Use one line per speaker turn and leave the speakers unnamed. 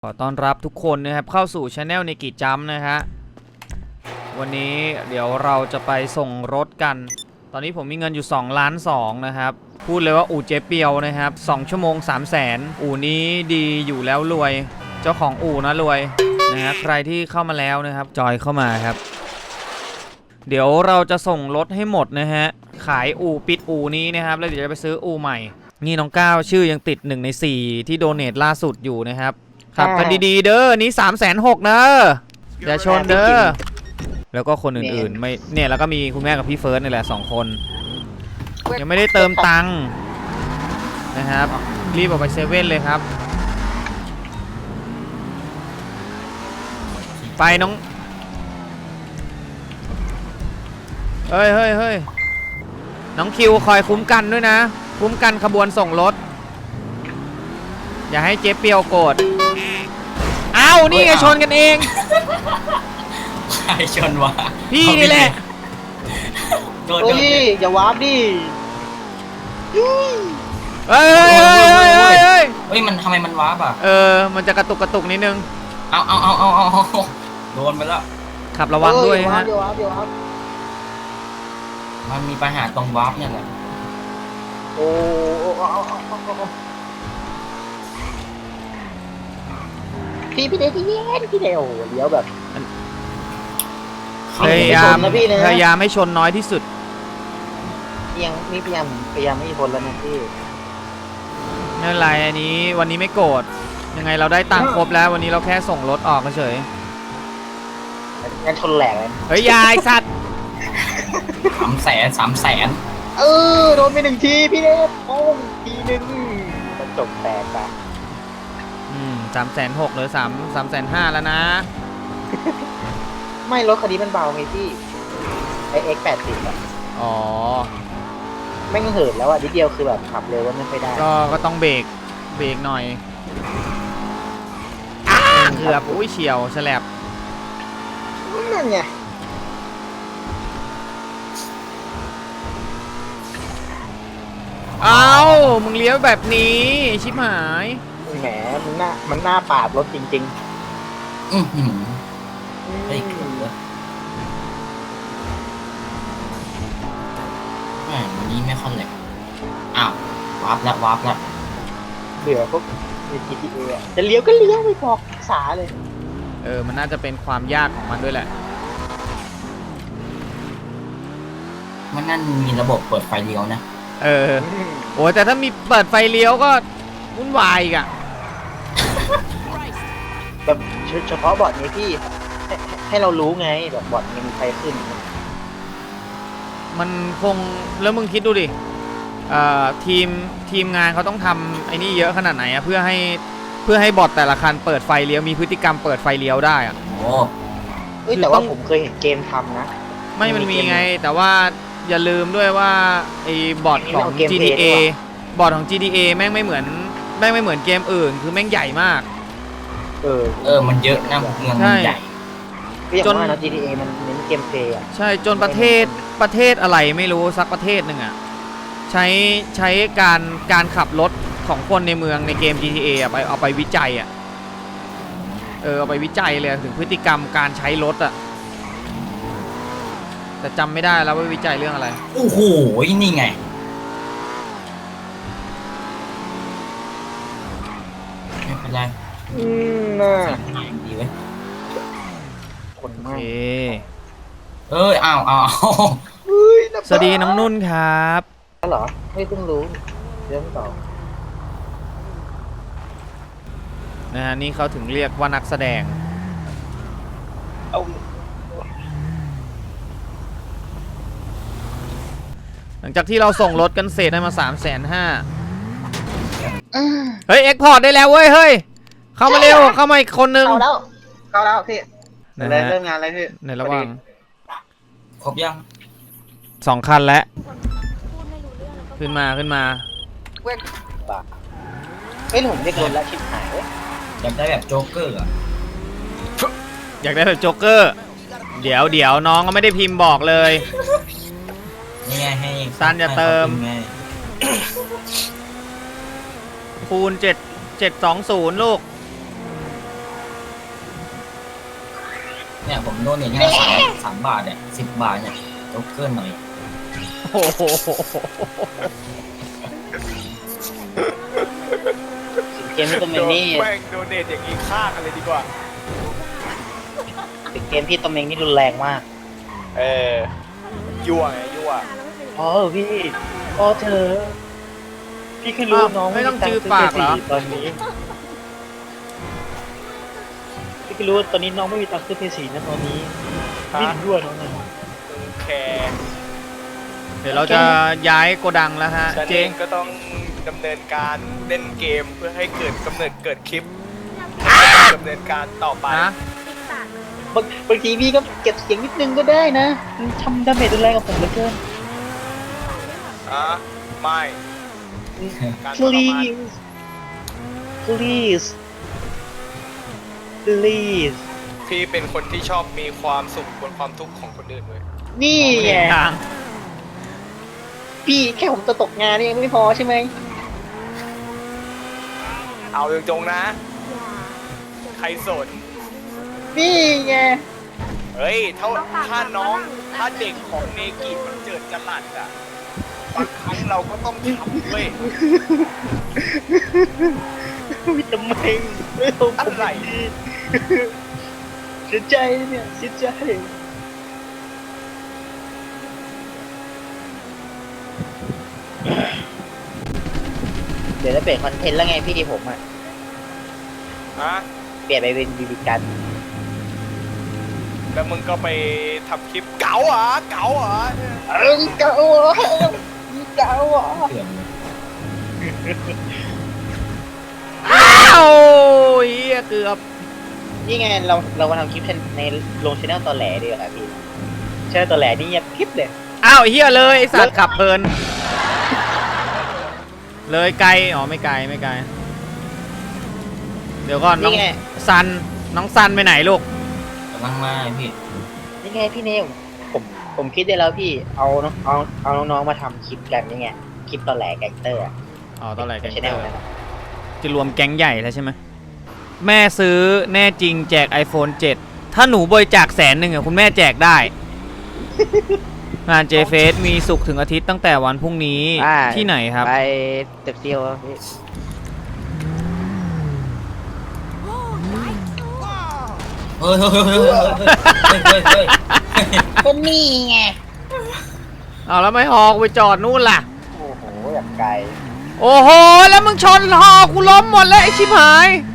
ขอต้อนรับทุกคนนะครับเข้าสู่ช anel ในกิจจัมนะฮะวันนี้เดี๋ยวเราจะไปส่งรถกันตอนนี้ผมมีเงินอยู่2.2 ล้านนะครับพูดเลยว่าอู่เจ๊เปียวนะครับ2 ชั่วโมง 300,000 อู่นี้ดีอยู่แล้วรวยเจ้าของอู่นะรวยนะฮะใครที่เข้ามาแล้วนะครับจอยเข้ามาครับเดี๋ยวเราจะส่งรถให้หมดนะฮะขายอู่ปิดอู่นี้นะครับแล้วเดี๋ยวจะไปซื้ออู่ใหม่นี่น้องก้าวชื่อยังติด1 ใน 4ที่โดเนทล่าสุดอยู่นะครับขับกันดีๆเด้อนี้360,000นะอย่าชนเด้อแล้วก็คนอื่นๆไม่เนี่ยแล้วก็มีคุณแม่กับพี่เฟิร์สนี่แหละ2 คนยังไม่ได้เติมตังค์นะครับรีบออกไปเซเว่นเลยครับไปน้องเฮ้ยน้องคิวคอยคุ้มกันด้วยนะคุ้มกันขบวนส่งรถอย่าให้เจ๊เปียวโกรธอ้าวนี่ไงชนกันเอง
ใครชนวะ
พี่นี่แหละ
โดน
อย่าวาร์ปดิ
เฮ้ย
มันทำไมมันวาร์ปอ่ะ
มันจะกระตุกนิดนึง
เอาโดนไปแล้ว
ขับระวังด้วยฮะ
มันมีปัญหาตรงวาร์ปเนี่ยแหละ
พี่เดที่เย็นพี่เดวเลี้ยวแบบ
พยายามให้ชนน้อยที่สุด
ยังนี่พยายามไม่ชนแล้วนะพี่
ไม่เป็นไรอันนี้วันนี้ไม่โกรธยังไงเราได้ตังค์ครบแล้ววันนี้เราแค่ส่งรถออกเฉย
งั้นชนแหลกเลย
เฮ้ยยายสัตว์
300,000
โดนไป1 ทีพี่เดวโอ้ทีนึงมันจบแตกไป
360,000หรือ350,000แล้วนะ
ไม่รถคันนี้มันเบาไงพี่ไอX80อ่ะ
อ๋อ
ไม่เหินแล้วอ่ะนิดเดียวคือแบบขับเร็วไม่ค่อยได้
ก็ต้องเบรกหน่อยเกือบอุ้ยเฉียวแฉลบ
นั่นไง
เอามึงเลี้ยวแบบนี้ชิบหาย
แหมมันหน้าปาดรถจริง
ๆไอ้เกือบวันนี้ไม่ค่อนเลยอ้าววาร์ปแล้ว
เบื่อพวกใน GTA จะเลี้ยวก็เลี้ยวไม่บอกสาเลย
มันน่าจะเป็นความยากของมันด้วยแหละ
มันนั่นมีระบบเปิดไฟเลี้ยวนะ
โอ้แต่ถ้ามีเปิดไฟเลี้ยวก็วุ่นวายอีกอะ
แบบเฉพาะบอร์ดนี้พี่ให้เรารู้ไงแบบบอร์ดมีไฟขึ้น
มันคงแล้วมึงคิดดูดิทีมงานเขาต้องทำไอ้นี่เยอะขนาดไหนอะเพื่อให้บอร์ดแต่ละคันเปิดไฟเลี้ยวมีพฤติกรรมเปิดไฟเลี้ยวได้อะ
โอ้
แต่ว่าผมเคยเห็นเกมทำนะ
มันมีไงแต่ว่าอย่าลืมด้วยว่าไอ้บอร์ดของ GTA บอร์ดของ GTA แม่งไม่เหมือนเกมอื่นคือแม่งใหญ่มาก
มันเยอะนะเมืองมันใหญ่
จน GTA มันเน้นเกมเพลย์อ่ะ
ใช่จนประเทศอะไรไม่รู้สักประเทศหนึ่งอ่ะใช้การขับรถของคนในเมืองในเกม GTA อ่ะเอาไปวิจัยอ่ะเอาไปวิจัยเลยถึงพฤติกรรมการใช้รถอ่ะแต่จำไม่ได้แล้วว่าวิจัยเรื่องอะไร
โอ้โหนี่ไงไม่เป็นไร
น่า
ดีเว้ย
คนมาก
เอา
สวัสดีน้องนุ่นครับ
เหรอไม่เพิ่งรู้เรื่องต่อ
นะฮะนี่เขาถึงเรียกว่านักแสดงหลังจากที่เราส่งรถกันเสร็จได้มา350,000เฮ้ยเอ็กพอร์ตได้แล้วเว้ยเฮ้ยเข้ามาเร็วเข้ามาอีกคนนึง
เข้าแล้วพี่เริ่มงานอะไรพี่
ในระหว่าง
ครบยัง
2 คันแล้วขึ้นมา
ผมเรียกรถแล้วชิบหาย
อยากได้แบบโจ๊กเกอร์
อยากได้แบบโจ๊กเกอร์เดี๋ยวน้องก็ไม่ได้พิมพ์บอกเลย
นี่ไงให้
ซันจะเติมคูณ720ลูก
เนี่ยผมโดนอย่างเงี้ย3 บาทเนี่ย10 บาทเนี่ยโจ๊กเกอร์หน่อย
โอ้โห
เกมพี่ตอมเองนี่
แม่งโดเนทอย่างนี้ฆ่ากันเลยดีกว่า
เกมพี่ตอมเองนี่รุนแรงมาก
เออยั่วไงยั่ว
อ๋อพี่อ๋อเธอ พี่แค่รู้ว่าน้อง
ไม่ต้องจื้อปากเหรอ
ตอนนี้ พี่แค่รู้ว่าตอนนี้น้องไม่มีตังค์ซื้อเพย์สีนะตอนนี้พี่ถึงด้วยน้องนะ
แคร์
เดี๋ยวเราจะย้ายโกดังแล้วฮะ
ฉัน
เจ
เองก็ต้องดำเนินการเล่นเกมเพื่อให้เกิดกำเนิดเกิดคลิปดำเนินการต่อไป
นะ
บางทีพี่ก็เก็บเสียงนิดนึงก็ได้นะมันทำดาเมจรุนแรงกับผมเหลือเกิน
ไม่การทรมาน
please please please
พี่เป็นคนที่ชอบมีความสุขบนความทุกข์ของคนอื่นเลย
นี่
ไม่
ไง
เห็นทาง
พี่แค่ผมจะตกงานนี่ยังไม่พอใช่ไหม
เอาตรงๆนะ ใครสน
นี่ไง
เฮ้ยถ้าน้องถ้าเด็กของเนกิมันเจิดจรัสอ่ะบางครั้งเราก็ต้องทำเว้ย
วิทำไมไม่เอาผม
อะไร
เสียใจเนี่ยเสียใจเดี๋ยวจะเปลี่ยนคอนเทนต์แล้วไงพี่ผมอ่ะ
ฮะ
เปลี่ยนไปเป็นบีบีกัน
แล้วมึงก็ไปทำคลิปเก๋าเหรอเก๋าเหรอ
เก่าอ่ะเก่าอ่ะ
เถื่อนเลย
อ้าวเฮียเกือบ
นี่ไงเรามาทำคลิปในลงช anel ตอแหลดีกว่าพี่ช anel ตอแหลนี่เงียบคลิปเลย
อ้าวเฮียเลยไอสัตว์ขับเพลิน เลยไกล อ๋อไม่ไกลไม่ไกล เดี๋ยวก่อนน้อง
นี่ไง
ซัน น้องซันไปไหนลูก
กำลังมาพี่
นี่ไงพี่เนวผมคิดได้แล้วพี่เอาน้องๆมาทำคลิปกันนี่ไงคลิปตอแหลแก๊งเตอร์อะ
อ๋อตอนไหนแกง
ช
เต
anel
อร์
นั่นอะ
จะรวมแก๊งใหญ่แล้วใช่ไหม แม่ซื้อแน่จริงแจก iPhone 7 ถ้าหนูบริจาค100,000อ่ะคุณแม่แจกได้ งานเจเฟสมีศุกร์ถึงอาทิตย์ตั้งแต่วันพรุ่งนี้ที่ไหนครับ
ไปเต็บเซียวพี่
เฮ้ยเฮ้ยเฮ้ยเฮ้ยเฮ้ยเฮ้ย
ก็นี่ไง
เอาแล้วไม่ฮอกูไปจอดนู่นล่ะ
โอ้โหอย่างไกล
โอ้โห แล้วมึงชนฮอกูล้มหมดเลยไอชิบหาย